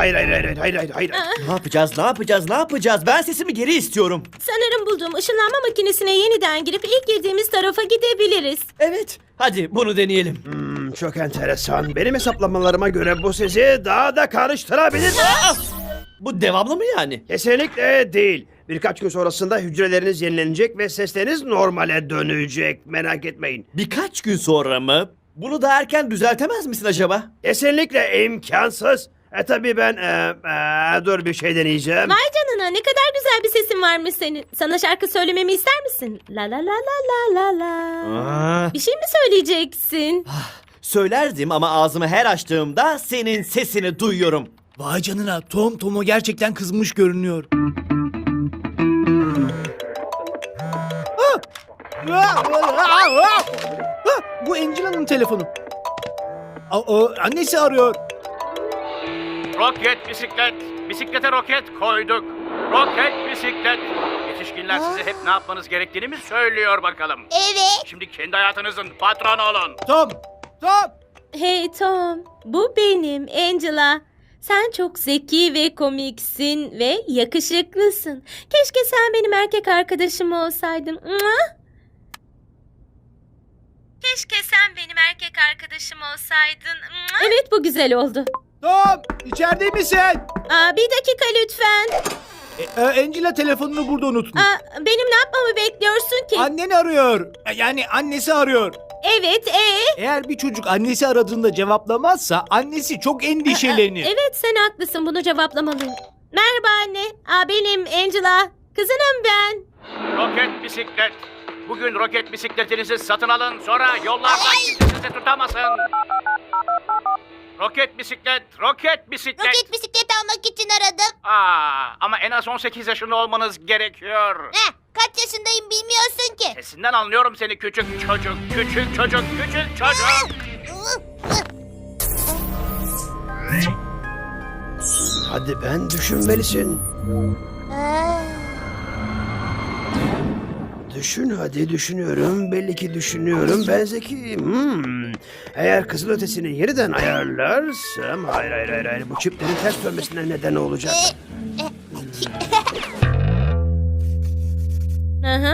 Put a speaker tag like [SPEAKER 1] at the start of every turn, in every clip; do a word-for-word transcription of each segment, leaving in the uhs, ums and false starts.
[SPEAKER 1] hayır hayır hayır hayır hayır hayır.
[SPEAKER 2] Ne yapacağız, ne yapacağız, ne yapacağız? Ben sesimi geri istiyorum.
[SPEAKER 3] Sanırım bulduğum ışınlanma makinesine yeniden girip ilk girdiğimiz tarafa gidebiliriz.
[SPEAKER 2] Evet, hadi bunu deneyelim.
[SPEAKER 1] Hmm, çok enteresan. Benim hesaplamalarıma göre bu sizi daha da karıştırabilir.
[SPEAKER 2] Aa! Bu devamlı mı yani?
[SPEAKER 1] Kesinlikle değil. Birkaç gün sonrasında hücreleriniz yenilenecek ve sesleriniz normale dönecek. Merak etmeyin.
[SPEAKER 2] Birkaç gün sonra mı? Bunu da erken düzeltemez misin acaba?
[SPEAKER 1] Kesinlikle imkansız. E tabii ben e, e, dur bir şey deneyeceğim.
[SPEAKER 3] Vay canına, ne kadar güzel bir sesin varmış senin. Sana şarkı söylememi ister misin? La la la la la la la.
[SPEAKER 2] Aa,
[SPEAKER 3] Bir şey mi söyleyeceksin?
[SPEAKER 2] söylerdim ama ağzımı her açtığımda senin sesini duyuyorum.
[SPEAKER 4] Vay canına, Tom Tom'a gerçekten kızmış görünüyor. Ah! Ah! Bu Angela'nın telefonu. Aa, o, annesi arıyor.
[SPEAKER 5] Roket bisiklet. Bisiklete roket koyduk. Roket bisiklet. Yetişkinler size hep ne yapmanız gerektiğini mi söylüyor bakalım?
[SPEAKER 6] Evet.
[SPEAKER 5] Şimdi kendi hayatınızın patronu olun.
[SPEAKER 4] Tom! Tom!
[SPEAKER 3] Hey Tom, bu benim Angela. Sen çok zeki ve komiksin ve yakışıklısın. Keşke sen benim erkek arkadaşım olsaydın. Mua! Keşke sen benim erkek arkadaşım olsaydın. Mua! Evet, bu güzel oldu.
[SPEAKER 4] Tom! İçeride misin?
[SPEAKER 3] Aa, bir dakika lütfen.
[SPEAKER 4] E, e, Angela telefonunu burada unutmuş.
[SPEAKER 3] Aa, benim ne yapmamı bekliyorsun ki?
[SPEAKER 4] Annen arıyor. E, Yani annesi arıyor.
[SPEAKER 3] Evet, ee?
[SPEAKER 4] Eğer bir çocuk annesi aradığında cevaplamazsa annesi çok endişelenir.
[SPEAKER 3] Evet, sen haklısın, bunu cevaplamalıyım. Merhaba anne. Aa, benim Angela. Kızınım ben.
[SPEAKER 5] Roket bisiklet. Bugün roket bisikletinizi satın alın. Sonra yollardan kimse sizi tutamasın. Roket bisiklet, roket bisiklet.
[SPEAKER 6] Roket bisiklet almak için aradım.
[SPEAKER 5] Aa, ama en az on sekiz yaşında olmanız gerekiyor.
[SPEAKER 6] Heh, kaç yaşındayım bilmiyorsun ki.
[SPEAKER 5] Sesinden anlıyorum seni küçük çocuk, küçük çocuk, küçük çocuk.
[SPEAKER 1] Hadi ben düşünmelisin. Düşün hadi düşünüyorum. Belli ki düşünüyorum. Ben zekiyim. Hmm. Eğer kızılötesini yeniden ayarlarsam... Hayır hayır hayır. hayır. Bu çiplerin ters dönmesine neden olacak.
[SPEAKER 3] Hı hı.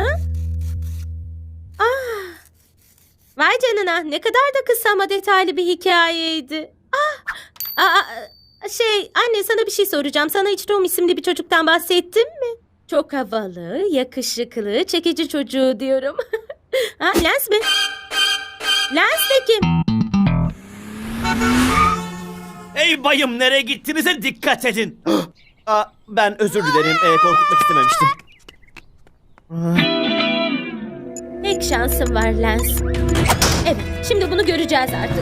[SPEAKER 3] Ah. Vay canına, ne kadar da kısa ama detaylı bir hikayeydi. Ah. Aa, şey, anne sana bir şey soracağım. Sana hiç Tom isimli bir çocuktan bahsettim mi? Çok havalı, yakışıklı, çekici çocuğu diyorum. Ha, Lens mi? Lens de kim?
[SPEAKER 2] Hey bayım, nereye gittiğinize dikkat edin. Aa, ben özür dilerim, ee, korkutmak istememiştim.
[SPEAKER 3] Tek şansım var Lens. Evet, şimdi bunu göreceğiz artık.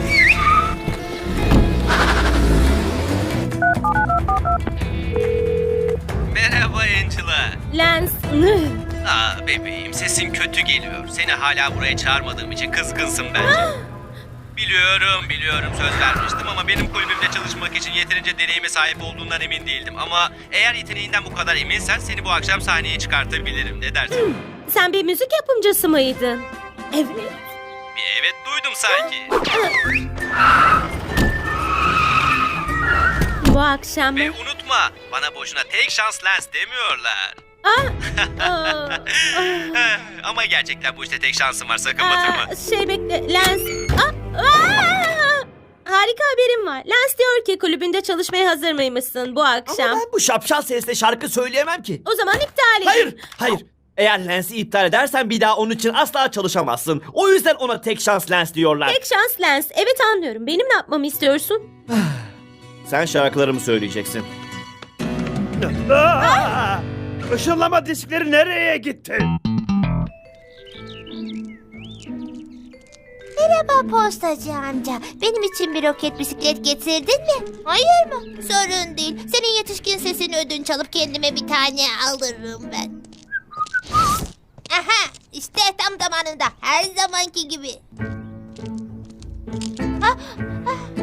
[SPEAKER 7] Merhaba Angela.
[SPEAKER 3] Lens.
[SPEAKER 7] Aa bebeğim, sesin kötü geliyor. Seni hala buraya çağırmadığım için kızgınsın bence. Biliyorum, biliyorum söz vermiştim ama benim kulübümde çalışmak için yeterince deneyime sahip olduğundan emin değildim. Ama eğer yeteneğinden bu kadar eminsen seni bu akşam sahneye çıkartabilirim. Ne dersin?
[SPEAKER 3] Sen bir müzik yapımcısı mıydın? Evet.
[SPEAKER 7] Bir evet duydum sanki.
[SPEAKER 3] Bu akşam...
[SPEAKER 7] Ve unutma, bana boşuna tek şans Lens demiyorlar.
[SPEAKER 3] Aa, aa, aa.
[SPEAKER 7] Ama gerçekten bu işte tek şansım var, sakın batırma.
[SPEAKER 3] Aa, şey bekle, Lens. Aa, aa! Harika haberim var. Lens diyor ki kulübünde çalışmaya hazır mıymışsın bu akşam?
[SPEAKER 2] Ama ben bu şapşal sesle şarkı söyleyemem ki.
[SPEAKER 3] O zaman iptal edin.
[SPEAKER 2] Hayır, hayır. Eğer Lens'i iptal edersen bir daha onun için asla çalışamazsın. O yüzden ona tek şans Lens diyorlar.
[SPEAKER 3] Tek şans Lens. Evet, anlıyorum. Benim ne yapmamı istiyorsun?
[SPEAKER 2] Sen şarkılarımı söyleyeceksin.
[SPEAKER 1] Aa! Işınlama diskleri nereye gitti?
[SPEAKER 6] Merhaba postacı amca. Benim için bir roket bisiklet getirdin mi? Hayır mı? Sorun değil. Senin yetişkin sesini ödünç alıp kendime bir tane alırım ben. Aha, işte tam zamanında. Her zamanki gibi. Ah, ah.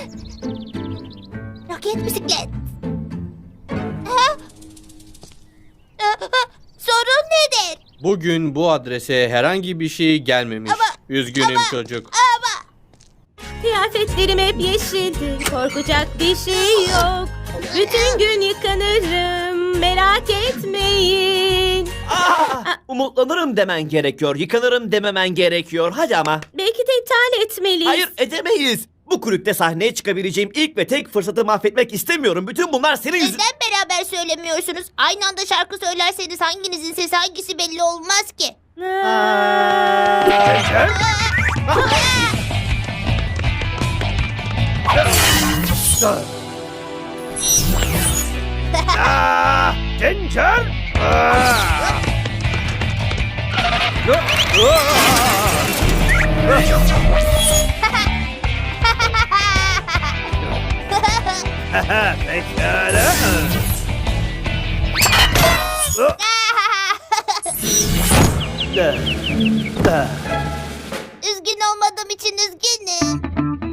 [SPEAKER 6] Roket bisiklet. Ah. Ah, ah. Sorun nedir?
[SPEAKER 8] Bugün bu adrese herhangi bir şey gelmemiş.
[SPEAKER 6] Ama-
[SPEAKER 8] Üzgünüm
[SPEAKER 6] ama-
[SPEAKER 8] çocuk.
[SPEAKER 6] Ama
[SPEAKER 3] Kıyafetlerim hep yeşildi. Korkacak bir şey yok. Bütün gün yıkanırım, merak etmeyin.
[SPEAKER 2] Aa, umutlanırım demen gerekiyor. Yıkanırım dememen gerekiyor. Hadi ama.
[SPEAKER 3] Belki de iptal etmeliyiz.
[SPEAKER 2] Hayır, edemeyiz. Bu kulüpte sahneye çıkabileceğim ilk ve tek fırsatı mahvetmek istemiyorum. Bütün bunlar senin yüzün...
[SPEAKER 6] Neden beraber söylemiyorsunuz? Aynı anda şarkı söylerseniz hanginizin sesi hangisi belli olmaz ki.
[SPEAKER 1] Cencer? Aa, Cencer? Aa! Pekala.
[SPEAKER 6] Üzgün olmadığım için üzgünüm.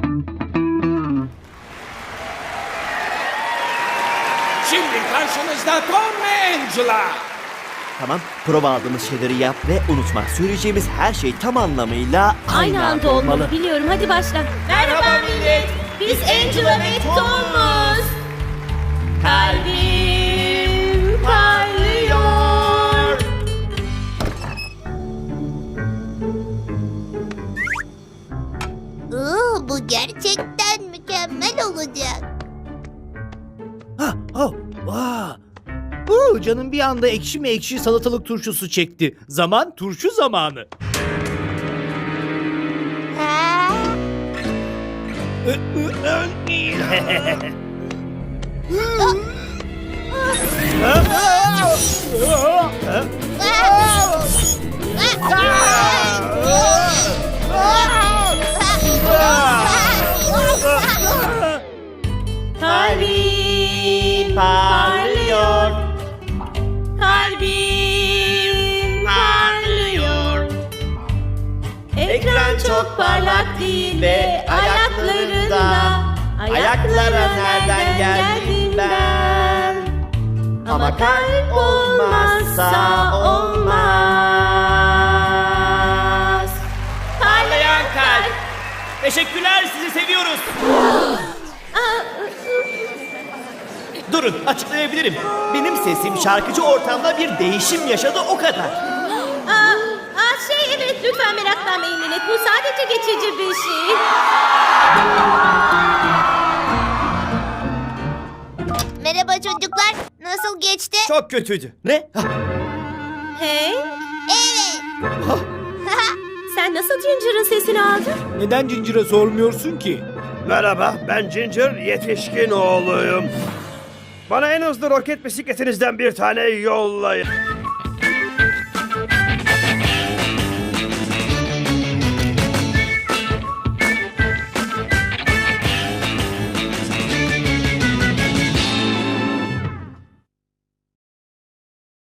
[SPEAKER 4] Şimdi karşınızda Tom ve Angela.
[SPEAKER 2] Tamam, prova aldığımız şeyleri yap ve unutma. Söyleyeceğimiz her şey tam anlamıyla
[SPEAKER 3] Aynı anda olmalı. Biliyorum. Hadi başla. Merhaba millet. Biz Angela ve Tom'uz. Kalbim parlıyor.
[SPEAKER 6] Oo, bu gerçekten mükemmel olacak.
[SPEAKER 4] Ha, oh, vah. Oo, canım bir anda ekşi mi ekşi salatalık turşusu çekti. Zaman turşu zamanı.
[SPEAKER 6] Ha?
[SPEAKER 3] Kalbim parlıyor. Kalbim parlıyor. Ekran çok parlak değil ve ayaklarında. Ayaklara nereden geldim ben? Ama kalp olmazsa olmaz.
[SPEAKER 2] Parlayan kalp. Teşekkürler, sizi seviyoruz. Durun, açıklayabilirim. Benim sesim şarkıcı ortamda bir değişim yaşadı, o kadar.
[SPEAKER 3] Aa, aa, şey evet lütfen meraklanmayın millet. Bu sadece geçici bir şey.
[SPEAKER 6] Merhaba çocuklar. Nasıl geçti?
[SPEAKER 2] Çok kötüydü. Ne? Hah,
[SPEAKER 3] Hey,
[SPEAKER 6] Evet.
[SPEAKER 3] sen nasıl Ginger'ın sesini aldın?
[SPEAKER 4] Neden Cincir'e sormuyorsun ki?
[SPEAKER 1] Merhaba, ben Ginger, yetişkin oğluyum. Bana en hızlı roket bisikletinizden bir tane yollayın.